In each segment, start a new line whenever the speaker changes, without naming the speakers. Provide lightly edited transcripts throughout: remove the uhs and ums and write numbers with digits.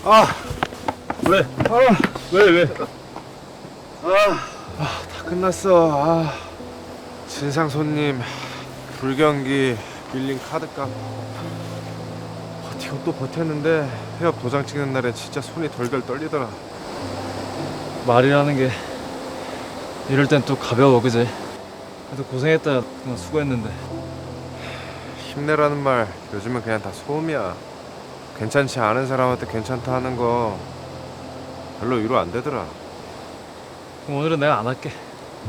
아,
왜?
아,
왜?
다 끝났어. 진상 손님, 불경기, 빌린 카드값. 버티고 또 버텼는데 폐업 도장 찍는 날엔 진짜 손이 덜덜 떨리더라.
말이라는 게 이럴 땐 또 가벼워, 그지? 그래도 고생했다. 그냥 수고했는데.
힘내라는 말 요즘은 그냥 다 소음이야. 괜찮지 않은 사람한테 괜찮다 하는 거 별로 위로 안 되더라.
그럼 오늘은 내가 안 할게.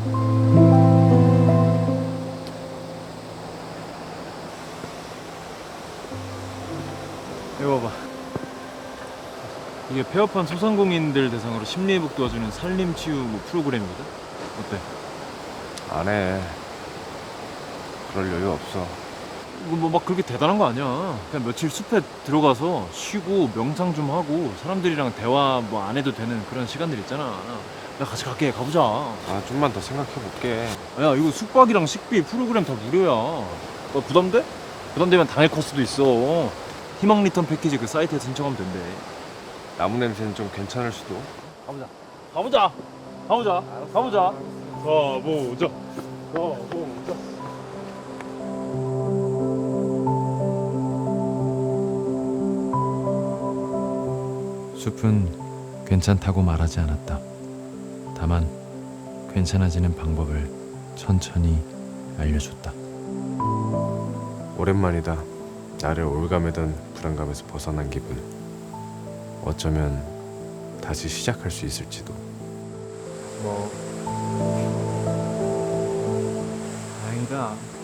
이거 봐봐. 이게 폐업한 소상공인들 대상으로 심리회복 도와주는 산림치유 프로그램이거든. 어때?
안 해. 그럴 여유 없어.
뭐 막 그렇게 대단한 거 아니야. 그냥 며칠 숲에 들어가서 쉬고 명상 좀 하고 사람들이랑 대화 뭐 안 해도 되는 그런 시간들 있잖아. 내가 같이 갈게. 가보자.
좀만 더 생각해 볼게.
야, 이거 숙박이랑 식비 프로그램 다 무료야. 부담돼? 부담되면 당일 코스도 있어. 희망 리턴 패키지 그 사이트에 신청하면 된대.
나무 냄새는 좀 괜찮을 수도.
가보자. 가보자. 숲은 괜찮다고 말하지 않았다. 다만 괜찮아지는 방법을 천천히 알려줬다.
오랜만이다. 나를 올가매던 불안감에서 벗어난 기분. 어쩌면 다시 시작할 수 있을지도.
다행이다.